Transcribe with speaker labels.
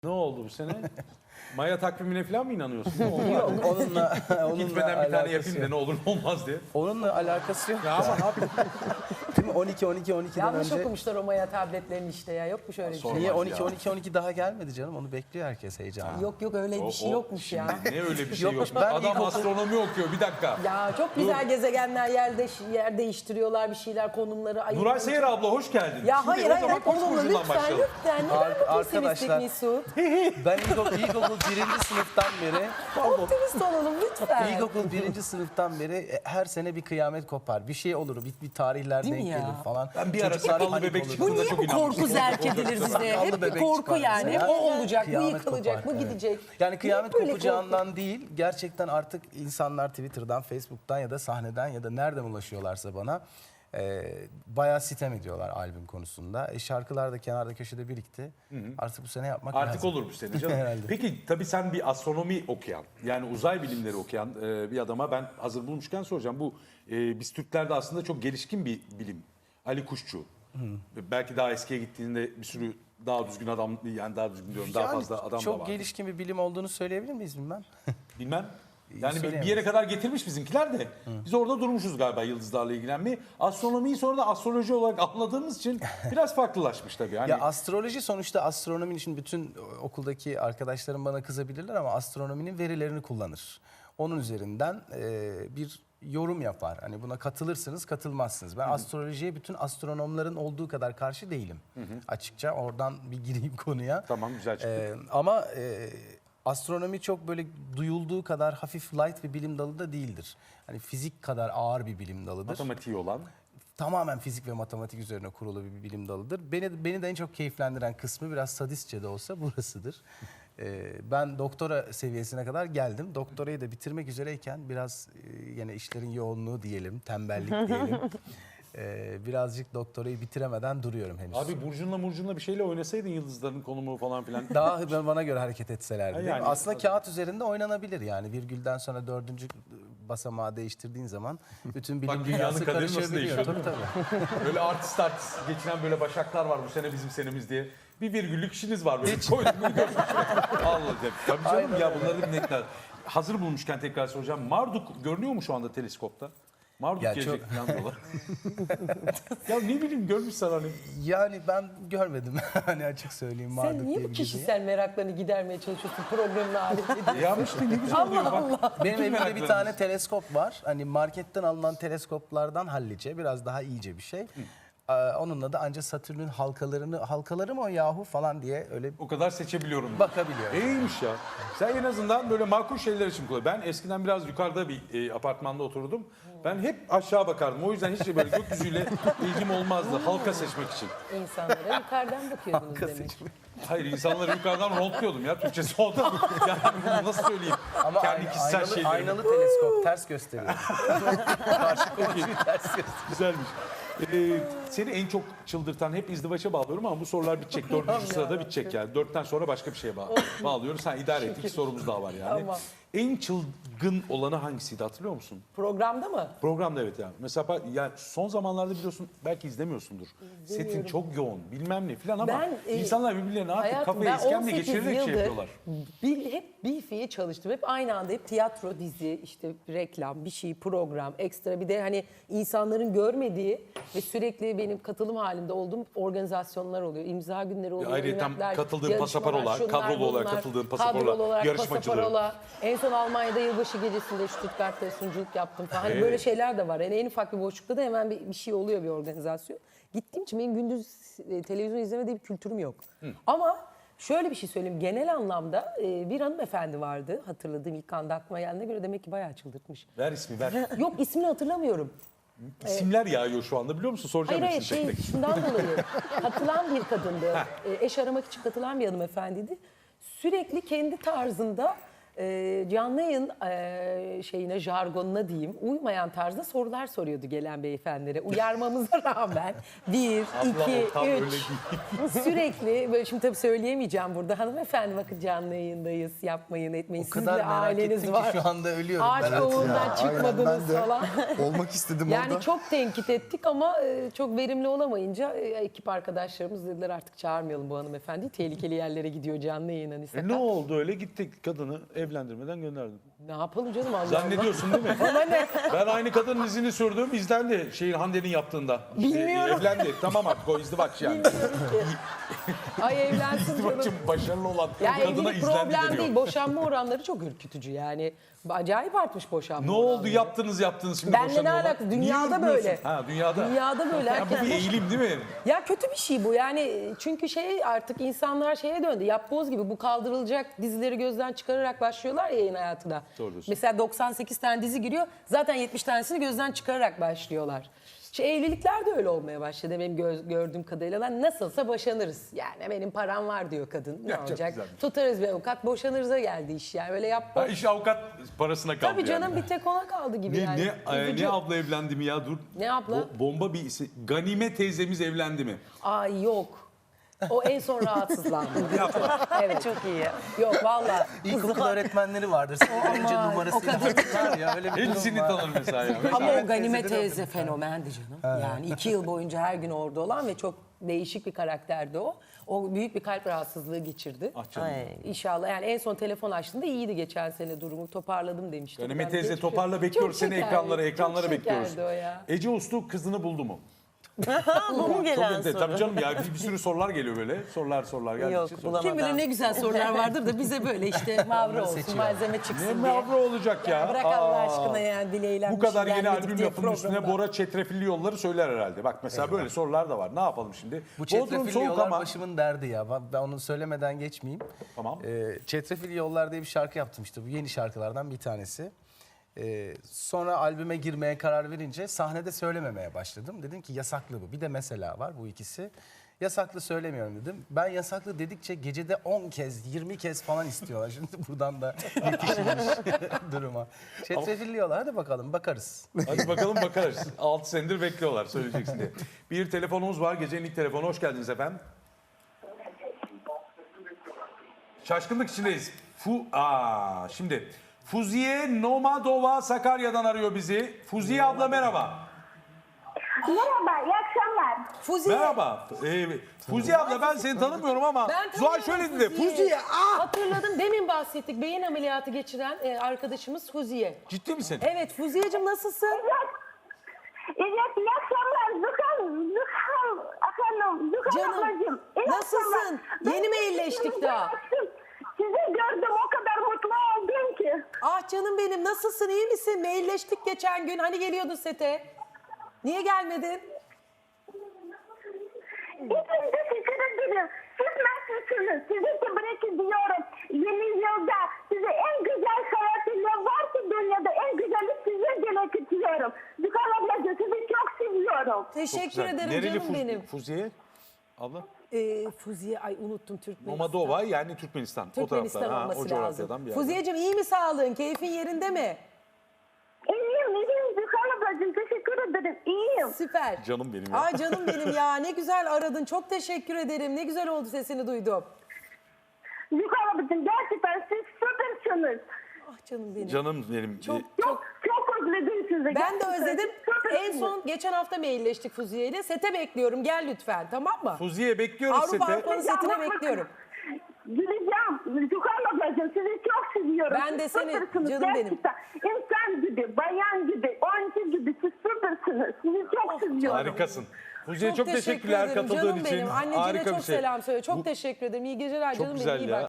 Speaker 1: Ne oldu bu sene? Maya takvimine falan mı inanıyorsun? Ne oldu?
Speaker 2: Yok, onunla
Speaker 1: Gitmeden bir tane
Speaker 2: alakası
Speaker 1: yapayım da
Speaker 2: yok.
Speaker 1: ne olur ne olmaz diye.
Speaker 2: Onunla alakası yok.
Speaker 1: Ya ama ne yapayım?
Speaker 2: Değil mi? 12'den
Speaker 3: Yanlış
Speaker 2: önce.
Speaker 3: okumuşlar o Maya tabletlerini işte ya. Yok mu şöyle bir şey?
Speaker 1: Sorma.
Speaker 2: Niye
Speaker 1: Olmaz
Speaker 2: 12 daha gelmedi canım? Onu bekliyor herkes heyecanla.
Speaker 3: Yok öyle bir şey yokmuş ya.
Speaker 1: Ne öyle bir şey yok.
Speaker 2: Yokmuş, ben
Speaker 1: Adam
Speaker 2: ilkokul-
Speaker 1: astronomi okuyor bir dakika.
Speaker 3: Ya çok güzel gezegenler yer değiştiriyorlar bir şeyler konumları ayırıyor.
Speaker 1: Nuray Seyer abla hoş geldin.
Speaker 3: Ya
Speaker 1: Şimdi
Speaker 3: hayır
Speaker 1: o
Speaker 3: hayır
Speaker 1: zaman
Speaker 3: hep
Speaker 1: Koç
Speaker 3: olumlu
Speaker 1: burcundan
Speaker 3: lütfen
Speaker 1: başlayalım.
Speaker 3: lütfen. Neden bu pesimistik
Speaker 2: Arkadaşlar-
Speaker 3: Mesut?
Speaker 2: Ben ilkokul 1. sınıftan beri
Speaker 3: Optimist olalım lütfen.
Speaker 2: İlkokul 1. sınıftan beri her sene bir kıyamet kopar. Bir şey olur, bir tarihler
Speaker 3: Değil
Speaker 2: denk
Speaker 3: mi ya?
Speaker 2: gelir falan.
Speaker 1: Ben bir ara
Speaker 2: Çocuklar
Speaker 1: sakallı
Speaker 2: panik
Speaker 1: bebek
Speaker 2: olur.
Speaker 1: çıktı.
Speaker 3: Bu niye
Speaker 1: çok
Speaker 3: bu
Speaker 1: inanmıştım.
Speaker 3: korku zerk edilir bize?
Speaker 2: Sakallı
Speaker 3: Hep bir
Speaker 2: bebek
Speaker 3: korku
Speaker 2: çıkar
Speaker 3: yani.
Speaker 2: mesela.
Speaker 3: O olacak, bu
Speaker 2: Kıyamet
Speaker 3: yıkılacak,
Speaker 2: kopar,
Speaker 3: bu
Speaker 2: evet.
Speaker 3: gidecek.
Speaker 2: Yani kıyamet
Speaker 3: Niye böyle
Speaker 2: kopacağından değil, gerçekten artık insanlar Twitter'dan, Facebook'tan ya da sahneden ya da nereden ulaşıyorlarsa bana bayağı sitem ediyorlar albüm konusunda. Şarkılar da kenarda köşede birikti. Artık bu sene yapmak
Speaker 1: Artık
Speaker 2: lazım.
Speaker 1: olur bu sene canım.
Speaker 2: Herhalde.
Speaker 1: Peki tabii sen bir astronomi okuyan, yani uzay bilimleri okuyan bir adama ben hazır bulmuşken soracağım. Bu biz Türklerde aslında çok gelişkin bir bilim. Ali Kuşçu. Belki daha eskiye gittiğinde bir sürü daha düzgün adam, yani daha düzgün diyorum, daha
Speaker 2: Yani
Speaker 1: fazla adam da
Speaker 2: çok
Speaker 1: var.
Speaker 2: gelişkin bir bilim olduğunu söyleyebilir miyiz bilmem.
Speaker 1: Bilmem. Yani bir
Speaker 2: Söyleyemeyiz.
Speaker 1: yere kadar getirmiş bizimkiler de. Biz orada durmuşuz galiba yıldızlarla ilgilenmeyi. Astronomiyi sonra da astroloji olarak anladığımız için biraz farklılaşmış tabii. Yani
Speaker 2: Ya astroloji sonuçta astronominin için bütün okuldaki arkadaşlarım bana kızabilirler ama astronominin verilerini kullanır. Onun üzerinden bir yorum yapar. Hani buna katılırsınız, katılmazsınız. Ben astrolojiye bütün astronomların olduğu kadar karşı değilim. Açıkça oradan bir gireyim konuya.
Speaker 1: Tamam, güzel çıktı.
Speaker 2: Ama astronomi çok böyle duyulduğu kadar hafif light bir bilim dalı da değildir. Hani fizik kadar ağır bir bilim dalıdır.
Speaker 1: matematiği olan.
Speaker 2: Tamamen fizik ve matematik üzerine kurulu bir bilim dalıdır. Beni de en çok keyiflendiren kısmı biraz sadistçe de olsa burasıdır. Ben doktora seviyesine kadar geldim. Doktorayı da bitirmek üzereyken biraz yine işlerin yoğunluğu diyelim, tembellik diyelim. Birazcık doktorayı bitiremeden duruyorum henüz.
Speaker 1: Abi Burcu'nla bir şeyle oynasaydın yıldızların konumu falan filan.
Speaker 2: Daha bana göre hareket etselerdi. değil mi?
Speaker 1: Yani-
Speaker 2: Aslında kağıt üzerinde oynanabilir yani. Virgülden sonra 4. basamağı değiştirdiğin zaman bütün bilim
Speaker 1: Bak dünyanın
Speaker 2: dünyası
Speaker 1: kaderi nasıl
Speaker 2: karışabiliyor.
Speaker 1: değişiyor,
Speaker 2: Tabii tabii.
Speaker 1: Böyle artist geçinen böyle başaklar var bu sene bizim senemiz diye. Bir virgüllük işiniz var böyle. Koyduk bunu görmüş. Allah diye. Tabii canım
Speaker 2: Aynen
Speaker 1: ya
Speaker 2: öyle.
Speaker 1: bunları bir netler. Hazır bulmuşken tekrar soracağım. Marduk görünüyor mu şu anda teleskopta? Marduk
Speaker 2: Ya
Speaker 1: gelecek
Speaker 2: çok-
Speaker 1: falan diyorlar. Ya ne bileyim görmüşsen hani.
Speaker 2: Yani ben görmedim hani açık söyleyeyim. Marduk
Speaker 3: Sen niye
Speaker 2: diye
Speaker 3: bu
Speaker 2: bir gezegen.
Speaker 3: kişisel meraklarını gidermeye çalışıyorsun programın aletinde?
Speaker 1: Ya işte ne güzel oluyor bak.
Speaker 2: Benim
Speaker 1: Bütün
Speaker 2: evimde bir
Speaker 1: meraklarımız.
Speaker 2: tane teleskop var. Hani marketten alınan teleskoplardan hallice, biraz daha iyice bir şey. Onunla da ancak Satürn'ün halkaları mı o yahu falan diye öyle
Speaker 1: O kadar seçebiliyorum.
Speaker 2: bakabiliyorum.
Speaker 1: İyiymiş ya. Sen en azından böyle makul şeyler için kullan. Ben eskiden biraz yukarıda bir apartmanda oturdum. Ben hep aşağı bakardım. O yüzden hiç de böyle gökyüzüyle ilgim olmazdı. Halka seçmek için.
Speaker 3: İnsanlara yukarıdan bakıyordunuz demek.
Speaker 1: Hayır, insanları yukarıdan rondluyordum ya. Türkçesi o da. Yani bunu nasıl söyleyeyim?
Speaker 2: Ama
Speaker 1: Kendi kişisel
Speaker 2: aynalı,
Speaker 1: şeylerimi.
Speaker 2: aynalı teleskop ters gösteriyor. Karşı komşuyu ters gösteriyor.
Speaker 1: Güzelmiş. Seni en çok çıldırtan, hep izdivaça bağlıyorum ama bu sorular bitecek. Dördüncü sırada bitecek yani. Dörtten sonra başka bir şeye bağlıyoruz. Sen idare et. İki sorumuz daha var yani.
Speaker 3: Tamam.
Speaker 1: En çılgın olanı hangisiydi hatırlıyor musun?
Speaker 3: Programda mı?
Speaker 1: Programda evet yani. Mesela yani son zamanlarda biliyorsun belki izlemiyorsundur. Setin çok yoğun bilmem ne falan ama
Speaker 3: Ben,
Speaker 1: insanlar birbirlerine artık
Speaker 3: Hayatım,
Speaker 1: kafayı
Speaker 3: ben
Speaker 1: iskemle
Speaker 3: 18
Speaker 1: geçirerek şey
Speaker 3: yıldır
Speaker 1: yapıyorlar.
Speaker 3: hep bir fiye çalıştım. Hep aynı anda hep tiyatro, dizi, işte reklam, bir şey, program, ekstra bir de hani insanların görmediği ve sürekli benim katılım halinde olduğum organizasyonlar oluyor. İmza günleri oluyor.
Speaker 1: ayrıca
Speaker 3: eventler,
Speaker 1: katıldığın
Speaker 3: yarışmalar,
Speaker 1: pasaparolar,
Speaker 3: şunlar,
Speaker 1: kadrolu olarak
Speaker 3: bunlar,
Speaker 1: katıldığın pasaporlar,
Speaker 3: kadrolu olarak
Speaker 1: yarışmacılığı.
Speaker 3: pasaparola. En son Almanya'da yılbaşı gecesinde Stuttgart'ta sunuculuk yaptım falan. Hani
Speaker 1: Evet.
Speaker 3: böyle şeyler de var. Yani en ufak bir boşlukta da hemen bir şey oluyor, bir organizasyon. Gittiğim için benim gündüz televizyon izleme diye bir kültürüm yok. Ama şöyle bir şey söyleyeyim. Genel anlamda bir hanımefendi vardı. Hatırladığım ilk anda aklıma geldiğine göre demek ki bayağı çıldırtmış.
Speaker 1: Ver ismi ver.
Speaker 3: Yok, ismini hatırlamıyorum.
Speaker 1: İsimler yağıyor şu anda biliyor musun? Soracağım
Speaker 3: Hayır
Speaker 1: hepsini tek tek.
Speaker 3: şundan dolayı katılan bir kadındı. Eş aramak için katılan bir hanımefendiydi. Sürekli kendi tarzında canlı yayın şeyine, jargonuna diyeyim, uymayan tarzda sorular soruyordu gelen beyefendilere. Uyarmamıza rağmen 1,
Speaker 1: Abla,
Speaker 3: 2,
Speaker 1: o tam öyle
Speaker 3: 3
Speaker 1: değil.
Speaker 3: sürekli böyle, şimdi tabii söyleyemeyeceğim burada. Hanımefendi bakın canlı yayındayız, yapmayın etmeyin.
Speaker 2: O
Speaker 3: Sizin
Speaker 2: kadar
Speaker 3: de
Speaker 2: merak
Speaker 3: aileniz
Speaker 2: ettim
Speaker 3: var.
Speaker 2: ki şu anda ölüyorum.
Speaker 3: Ağaç
Speaker 2: Berat.
Speaker 3: kovuğundan
Speaker 4: Ya, aynen,
Speaker 3: çıkmadınız
Speaker 4: ben de
Speaker 3: falan.
Speaker 4: olmak istedim
Speaker 3: Yani
Speaker 4: orada.
Speaker 3: çok tenkit ettik ama çok verimli olamayınca ekip arkadaşlarımız dediler artık çağırmayalım bu hanımefendiyi. Tehlikeli yerlere gidiyor canlı yayın hani sakat.
Speaker 1: Ne oldu öyle? Gittik kadını evlendirmeden gönderdim.
Speaker 3: Ne yapalım canım Allah Allah.
Speaker 1: Zannediyorsun değil mi? Ben aynı kadının izini sürdüm. İzlendi Hande'nin yaptığında. İşte,
Speaker 3: Bilmiyorum.
Speaker 1: evlendi. Tamam artık o izdivaç yani.
Speaker 3: Bilmiyorum ki. Ay evlensin canım.
Speaker 1: İzdivaçın başarılı olan
Speaker 3: Ya
Speaker 1: kadına
Speaker 3: evlilik
Speaker 1: izlendi
Speaker 3: problem
Speaker 1: deniyor.
Speaker 3: değil. Boşanma oranları çok ürkütücü yani. Acayip artmış boşanma
Speaker 1: Ne oldu
Speaker 3: oranları.
Speaker 1: yaptınız şimdi
Speaker 3: Benle ne
Speaker 1: boşanıyorlar?
Speaker 3: alakası?
Speaker 1: Niye
Speaker 3: Dünyada
Speaker 1: ürkmüyorsun?
Speaker 3: böyle.
Speaker 1: Ha dünyada.
Speaker 3: Dünyada böyle.
Speaker 1: Ya
Speaker 3: Herkes
Speaker 1: bu bir eğilim değil mi?
Speaker 3: Ya kötü bir şey bu yani, çünkü artık insanlar şeye döndü, yapboz gibi bu kaldırılacak dizileri gözden çıkararak başlıyorlar ya yayın hayatına.
Speaker 1: Doğru diyorsun.
Speaker 3: Mesela 98 tane dizi giriyor, zaten 70 tanesini gözden çıkararak başlıyorlar. Evlilikler de öyle olmaya başladı benim gördüğüm kadarıyla. Lan nasılsa boşanırız. Yani benim param var diyor kadın. Ne
Speaker 1: Ya çok
Speaker 3: olacak?
Speaker 1: güzelmiş.
Speaker 3: Tutarız bir avukat, boşanırıza geldi iş yani. Öyle yapboz.
Speaker 1: Ha, iş avukat parasına kaldı
Speaker 3: Tabii canım,
Speaker 1: yani.
Speaker 3: bir tek ona kaldı gibi yani. Üzücü.
Speaker 1: Ne abla evlendi mi ya dur.
Speaker 3: Ne abla?
Speaker 1: Bomba bir isim. Ganime teyzemiz evlendi mi?
Speaker 3: Ay yok. O en son rahatsızlandı. Evet. Çok iyi. Yok valla.
Speaker 2: İlkokul öğretmenleri vardır. Önce numarasıyla hatırlar ya. Öyle bir durum
Speaker 1: Hepsini
Speaker 2: var.
Speaker 1: tanır mesela. Ya.
Speaker 3: Ama
Speaker 1: Mesela
Speaker 3: o Ganime teyze fenomendi canım. Yani 2 yıl boyunca her gün orada olan ve çok değişik bir karakterdi o. O büyük bir kalp rahatsızlığı geçirdi.
Speaker 1: Ah canım.
Speaker 3: İnşallah yani en son telefon açtığında iyiydi geçen sene durumu. Toparladım demişti.
Speaker 1: Ganime
Speaker 3: Yani
Speaker 1: teyze
Speaker 3: geçmiş-
Speaker 1: toparla bekliyoruz
Speaker 3: Çok
Speaker 1: seni
Speaker 3: şekerdi,
Speaker 1: ekranlara
Speaker 3: çok
Speaker 1: bekliyoruz.
Speaker 3: şekerdi o ya.
Speaker 1: Ece Uslu kızını buldu mu?
Speaker 5: Bu mu gelen soru?
Speaker 1: Tabii canım ya bir sürü sorular geliyor böyle. Sorular geldikçe.
Speaker 5: Yok,
Speaker 1: sorular.
Speaker 5: bulamadım.
Speaker 3: Kim bilir ne güzel sorular vardır da bize böyle işte mavra olsun,
Speaker 2: seçiyor.
Speaker 3: malzeme
Speaker 1: Ne
Speaker 3: çıksın diye.
Speaker 1: mavra olacak ya.
Speaker 3: Bırak Allah
Speaker 1: Aa.
Speaker 3: aşkına yani dileğiyle.
Speaker 1: Bu kadar yeni albüm lafının üstüne Bora çetrefilli yolları söyler herhalde. Bak mesela böyle sorular da var. Ne yapalım şimdi?
Speaker 2: Bu
Speaker 1: Bodrum
Speaker 2: çetrefilli
Speaker 1: soğuk
Speaker 2: yollar
Speaker 1: ama.
Speaker 2: başımın derdi ya. Ben onu söylemeden geçmeyeyim.
Speaker 1: Tamam.
Speaker 2: Çetrefilli Yollar diye bir şarkı yaptım işte. Bu yeni şarkılardan bir tanesi. Sonra albüme girmeye karar verince sahnede söylememeye başladım. Dedim ki yasaklı bu. Bir de mesela var bu ikisi. Yasaklı söylemiyorum dedim. Ben yasaklı dedikçe gecede 10 kez, 20 kez falan istiyorlar. Şimdi buradan da yetişilmiş duruma. Çetrefilli Yollar, hadi bakalım bakarız.
Speaker 1: Hadi bakalım bakarız. 6 senedir bekliyorlar söyleyeceksin diye. Bir telefonumuz var. Gecenin ilk telefonu. Hoş geldiniz efendim. Şaşkınlık içindeyiz. Şimdi Fuziye Nomadova Sakarya'dan arıyor bizi. Fuziye abla merhaba.
Speaker 6: Merhaba, iyi akşamlar.
Speaker 3: Fuziye.
Speaker 1: Merhaba. Fuziye abla ben seni tanımıyorum ama
Speaker 3: Ben
Speaker 1: Zuhal
Speaker 3: tanıyorum
Speaker 1: şöyle dedi. Fuziye.
Speaker 3: Hatırladım, demin bahsettik. Beyin ameliyatı geçiren arkadaşımız Fuziye.
Speaker 1: Ciddi misin?
Speaker 3: Evet Fuziyeciğim, nasılsın?
Speaker 6: Evet, iyi akşamlar. Zuhal efendim, Zuhal
Speaker 3: Canım,
Speaker 6: ablacığım. iyi
Speaker 3: nasılsın?
Speaker 6: akşamlar.
Speaker 3: Yeni mi
Speaker 6: Ben
Speaker 3: iyileştik
Speaker 6: sizi
Speaker 3: daha?
Speaker 6: açtım. Sizi gördüm, o kadar mutlu oldum ki.
Speaker 3: Ah canım benim, nasılsın, iyi misin? Mailleştik geçen gün, hani geliyordun sete. Niye gelmedin?
Speaker 6: İyiyim, teşekkür ederim. Siz nasılsınız? Sizi tebrik ediyorum. Yeni yılda size en güzel hayatı ne var ki dünyada, en güzeli size demek istiyorum. Zuhal ablacığım, sizi çok seviyorum.
Speaker 3: Teşekkür
Speaker 1: Güzel.
Speaker 3: ederim
Speaker 1: Nereli
Speaker 3: canım benim.
Speaker 1: Fuziye? Abla?
Speaker 3: Fuziye, ay unuttum, Türkmenistan.
Speaker 1: Nomadova yani Türkmenistan.
Speaker 3: Türkmenistan
Speaker 1: o taraflar.
Speaker 3: olması
Speaker 1: O coğrafyadan
Speaker 3: lazım.
Speaker 1: bir yerden.
Speaker 3: Fuziyeciğim, iyi mi sağlığın? Keyfin yerinde mi?
Speaker 6: İyiyim Zuhal ablacığım, teşekkür ederim. İyiyim.
Speaker 3: Süper.
Speaker 1: Canım benim ya.
Speaker 3: Ay canım benim ya, ne güzel aradın. Çok teşekkür ederim. Ne güzel oldu, sesini duydum.
Speaker 6: Zuhal ablacığım, gerçekten siz süpersiniz.
Speaker 3: Ah canım benim.
Speaker 1: Canım benim.
Speaker 3: Çok
Speaker 6: Çok özledim sizi.
Speaker 3: Ben de
Speaker 6: Gerçekten
Speaker 3: özledim.
Speaker 6: süpersiniz.
Speaker 3: En son geçen hafta mailleştik Fuziye ile. Sete bekliyorum. Gel lütfen, tamam mı?
Speaker 1: Fuziye bekliyoruz
Speaker 3: Avrupa
Speaker 1: sete.
Speaker 3: Avrupa'nın setine bekliyorum.
Speaker 6: Güleceğim. Zuhal ablacığım, sizi çok seviyorum.
Speaker 3: Ben de
Speaker 6: Siz
Speaker 3: seni,
Speaker 6: süpersiniz
Speaker 3: canım benim.
Speaker 6: gerçekten. İnsan gibi, bayan gibi, oyuncu gibi siz süpersiniz. Sizi çok seviyorum.
Speaker 1: Harikasın. Fuziye çok
Speaker 3: teşekkür
Speaker 1: teşekkürler
Speaker 3: ederim
Speaker 1: katıldığın
Speaker 3: canım
Speaker 1: için.
Speaker 3: benim. Anneciğine
Speaker 1: Harika
Speaker 3: çok
Speaker 1: bir şey.
Speaker 3: selam söyle. Çok teşekkür ederim. İyi geceler
Speaker 1: Çok
Speaker 3: canım
Speaker 1: güzel
Speaker 3: benim. İyi
Speaker 1: ya.
Speaker 3: bak